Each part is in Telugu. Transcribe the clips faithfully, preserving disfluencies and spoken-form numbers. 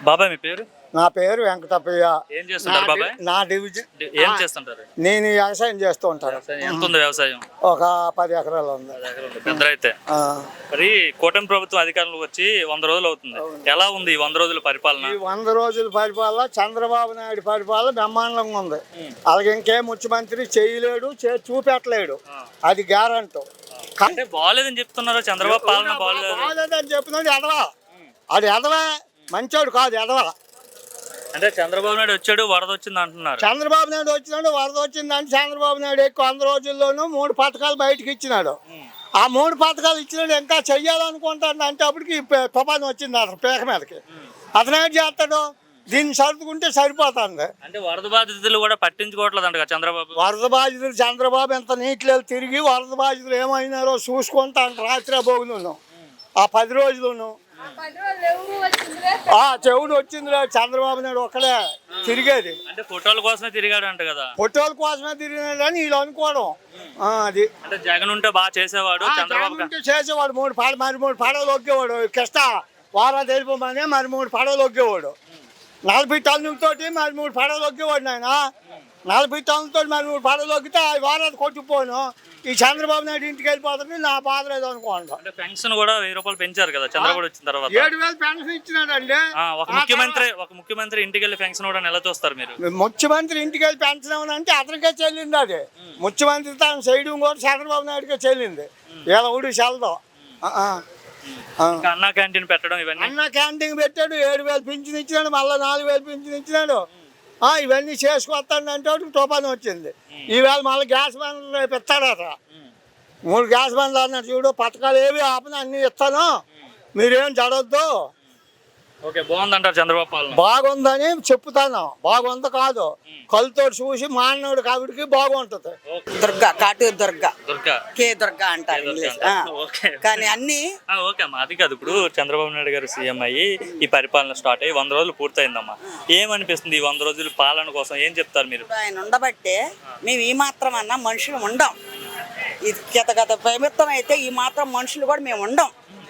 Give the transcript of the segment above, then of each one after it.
బాబాయ్ మీ పేరు? నా పేరు వెంకటప్పయ్య. ఏం చేస్తుంటారు బాబాయ్? నా డివిజన్ ఏం చేస్తుంటారు? నేను వ్యవసాయం చేస్తూ ఉంటాను. ఎంత ఉంది వ్యవసాయం? ఒక పది ఎకరాలు ఉంది. పెద్ద అయితే మరి కూటమి ప్రభుత్వం అధికారంలో వచ్చి వంద రోజులు అవుతుంది. ఎలా ఉంది ఈ వంద రోజుల పరిపాలన? ఈ వంద రోజుల పరిపాలన చంద్రబాబు నాయుడు పరిపాలన బ్రహ్మాండంగా ఉంది. అలాగే ఇంకే ముఖ్యమంత్రి చేయలేడు, చూపెట్టలేడు, అది గ్యారంటీ. అంటే బాగాలేదని చెప్తున్నారు, చంద్రబాబు పాలన బాగాలేదని చెప్పినది ఎదవా, అది ఎదవా, మంచోడు కాదు, ఎదవా. అంటే చంద్రబాబు నాయుడు వచ్చాడు, వరద వచ్చింది అంటున్నారు. చంద్రబాబు నాయుడు వచ్చినాడు, వరద వచ్చిందంటే చంద్రబాబు నాయుడు ఎక్కువ వంద రోజుల్లోనూ మూడు పథకాలు బయటకు ఇచ్చినాడు. ఆ మూడు పథకాలు ఇచ్చినాడు, ఇంకా చెయ్యాలనుకుంటాడు అంటే అప్పటికి తుఫాను వచ్చింది అతను పేక మీదకి. అతను ఏం చేస్తాడు, దీన్ని సర్దుకుంటే సరిపోతుంది. అంటే వరద బాధితులు కూడా పట్టించుకోవట్లేదు అంట చంద్రబాబు. వరద బాధితులు చంద్రబాబు ఎంత నీటిలో తిరిగి వరద బాధితులు ఏమైనారో చూసుకుంటాను రాత్రి భోగులను ఆ పది రోజులను. చెవుడు వచ్చింది చంద్రబాబు నాయుడు ఒక్కడే తిరిగేది. అంటే ఫోటోల కోసమే తిరిగాడు అంట కదా. ఫోటోల కోసమే తిరిగినాడు అని వీళ్ళు అనుకోవడం. అది అంటే జగన్ ఉంటే బాగా చేసేవాడు, చంద్రబాబు ఉంటే చేసేవాడు. మూడు పాడ మరి మూడు పడవలు ఒగ్గేవాడు. కష్ట వారా తెలిపమనే మరి మూడు పడవలు ఒగ్గేవాడు. నలభై టన్నులతోటి మరి మూడు పడవలు ఒగ్గేవాడు. నాయన నలభై టన్నులతో మరి మూడు పడవలు ఒగ్గితే ఆ వారాలు కొట్టుకుపోను. ఈ చంద్రబాబు నాయుడు ఇంటికి వెళ్ళిపోతుంది, నా బాధ లేదు అనుకోండి. అంటే పెన్షన్ కూడా వెయ్యి రూపాయలు పెంచారు కదా చంద్రబాబు వచ్చిన తర్వాత. ఏడు వేలు పెన్షన్ ఇచ్చినాడండి. ఒక ముఖ్యమంత్రి ఒక ముఖ్యమంత్రి ఇంటికి వెళ్ళి పెన్షన్ కూడా ఎలా చూస్తారు మీరు? ముఖ్యమంత్రి ఇంటికి వెళ్ళి పెన్షన్ అంటే అతనికే చెల్లింది. అది ముఖ్యమంత్రి తాను చేయడం కూడా చంద్రబాబు నాయుడుకే చెల్లింది. ఇలా ఊడి చల్లదు. అన్నా క్యాంటీన్ పెట్టడం ఇవన్నీ. అన్నా క్యాంటీన్ పెట్టాడు, ఏడు వేలు పింఛన్ ఇచ్చినాడు, మళ్ళీ నాలుగు వేలు పింఛన్ ఇచ్చినాడు. ఇవన్నీ చేసుకొస్తాడు అంటే తుఫాను వచ్చింది. ఈవేళ మళ్ళీ గ్యాస్ బండ్లు రేపు ఇస్తాడట. మూడు గ్యాస్ బండ్లు అన్నట్టు చూడు, పథకాలు ఏవి ఆపన అన్ని ఇస్తాను, మీరేం జడవద్దు. ఓకే, బాగుందంటారు చంద్రబాబు పాలన? బాగుందని చెప్తాను, బాగుంది కాదు. కళ్ళతో చూసి మానవుడు కాబట్టికి బాగుంటది. దుర్గా, కాటూరు దుర్గా, దుర్గా కే దుర్గా అంటారు ఇంగ్లీష్. కానీ అన్ని ఓకే అమ్మా, అది కాదు. ఇప్పుడు చంద్రబాబు నాయుడు గారు సీఎం అయ్యి ఈ పరిపాలన స్టార్ట్ అయ్యి వంద రోజులు పూర్తయిందమ్మా. ఏమనిపిస్తుంది ఈ వంద రోజుల పాలన కోసం? ఏం చెప్తారు మీరు? ఆయన ఉండబట్టే మేము ఈ మాత్రం అన్నా మనుషులు ఉండం. ఇది గత గత ప్రభుత్వం అయితే ఈ మాత్రం మనుషులు కూడా మేము ఉండం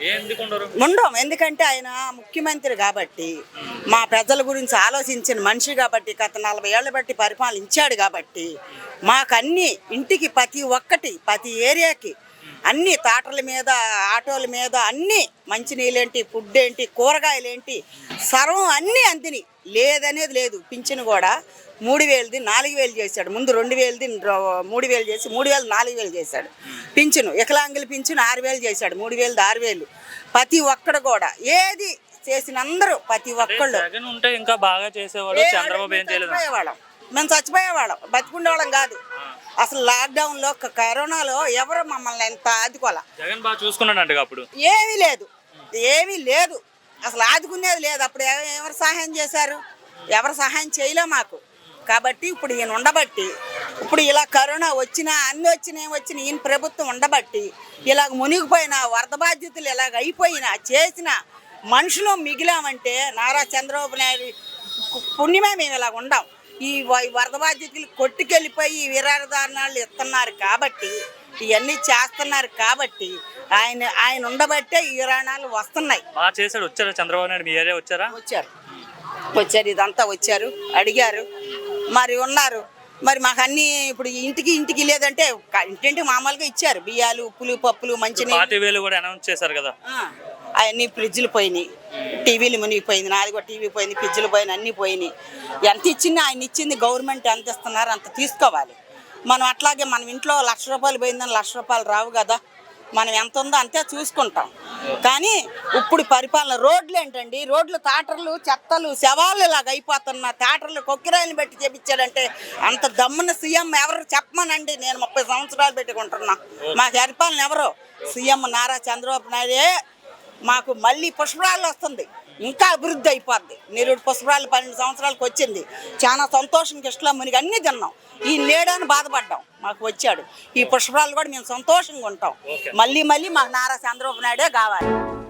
ఉండం ఎందుకంటే ఆయన ముఖ్యమంత్రి కాబట్టి, మా ప్రజల గురించి ఆలోచించిన మనిషి కాబట్టి, గత నలభై ఏళ్ళ బట్టి పరిపాలించాడు కాబట్టి, మాకు అన్ని ఇంటికి ప్రతి ఒక్కటి ప్రతి ఏరియాకి అన్ని తాటల మీద ఆటోల మీద అన్ని మంచినీళ్ళేంటి, ఫుడ్ ఏంటి, కూరగాయలు ఏంటి, సర్వం అన్నీ అందిని లేదనేది లేదు. పింఛను కూడా మూడు వేలది నాలుగు వేలు చేశాడు. ముందు రెండు వేలది మూడు వేలు చేసి మూడు వేలు నాలుగు వేలు చేశాడు. పింఛను వికలాంగుల పింఛను ఆరు వేలు చేశాడు. మూడు వేలది ఆరు వేలు ప్రతి ఒక్కడు కూడా ఏది చేసిన అందరూ ప్రతి ఒక్కళ్ళు ఉంటే ఇంకా బాగా చేసేవాడు. చంద్రబాబు ఏం చేయలేకపోయేవాళ్ళం, మేము చచ్చిపోయేవాళ్ళం, బతికుండేవాళ్ళం కాదు. అసలు లాక్డౌన్లో కరోనాలో ఎవరు మమ్మల్ని ఎంత ఆదుకోవాలా. జగన్ బాగా చూసుకున్నాడు. అప్పుడు ఏమీ లేదు, ఏమీ లేదు, అసలు ఆదుకునేది లేదు. అప్పుడు ఎవరు సహాయం చేశారు? ఎవరు సహాయం చేయలే మాకు. కాబట్టి ఇప్పుడు ఈయన ఉండబట్టి, ఇప్పుడు ఇలా కరోనా వచ్చినా అన్ని వచ్చినా వచ్చిన ఈయన ప్రభుత్వం ఉండబట్టి ఇలాగ మునిగిపోయినా వరద బాధ్యతలు ఇలాగ అయిపోయినా చేసిన మనుషులు మిగిలామంటే నారా చంద్రబాబు నాయుడు పుణ్యమే మేము ఇలాగ ఉండాం. ఈ వరద బాధ్యతలు కొట్టుకెళ్ళిపోయి విరారదారణాలు ఇస్తున్నారు కాబట్టి, ఇవన్నీ చేస్తున్నారు కాబట్టి ఆయన ఆయన ఉండబట్టే ఈ రాణాలు వస్తున్నాయి. బాగా చేశాడు. వచ్చారా చంద్రబాబు నాయుడు మీ ఏరియా? వచ్చారా? వచ్చారు వచ్చారు ఇదంతా వచ్చారు, అడిగారు, మరి ఉన్నారు. మరి మాకు అన్ని ఇప్పుడు ఇంటికి ఇంటికి లేదంటే ఇంటింటి మామూలుగా ఇచ్చారు. బియ్యాలు, ఉప్పులు, పప్పులు, మంచినీళ్ళు కూడా అనౌన్స్ చేశారు కదా. అవన్నీ ఫ్రిడ్జ్లు పోయినాయి, టీవీలు మునిగిపోయింది, నాది కూడా టీవీ పోయింది, ఫ్రిడ్జ్లు పోయినాయి, అన్నీ పోయినాయి. ఎంత ఇచ్చింది ఆయన ఇచ్చింది గవర్నమెంట్ ఎంత ఇస్తున్నారు అంత తీసుకోవాలి. మనం అట్లాగే మనం ఇంట్లో లక్ష రూపాయలు పోయిందని లక్ష రూపాయలు రావు కదా. మనం ఎంత ఉందో అంతే చూసుకుంటాం. కానీ ఇప్పుడు పరిపాలన రోడ్లు ఏంటండి, రోడ్లు తాటర్లు చెత్తలు శవాలు ఇలాగ అయిపోతున్నా, తాటర్లు కొక్కిరాయిని పెట్టి చేపించాడంటే అంత దమ్మున సీఎం ఎవరు చెప్పమనండి. నేను ముప్పై సంవత్సరాలు పెట్టుకుంటున్నా, మా పరిపాలన ఎవరు? సీఎం నారా చంద్రబాబు నాయుడే. మాకు మళ్ళీ పుష్పరాలు వస్తుంది, ఇంకా అభివృద్ధి అయిపోద్ది. నిరుడు పుష్పరాలు పన్నెండు సంవత్సరాలకు వచ్చింది, చాలా సంతోషంగా ఇష్టం మునిగి అన్నీ తిన్నాం. ఈ లేడని బాధపడ్డాం, మాకు వచ్చాడు. ఈ పుష్పరాలు కూడా మేము సంతోషంగా ఉంటాం. మళ్ళీ మళ్ళీ మాకు నారా చంద్రబాబు నాయుడే కావాలి.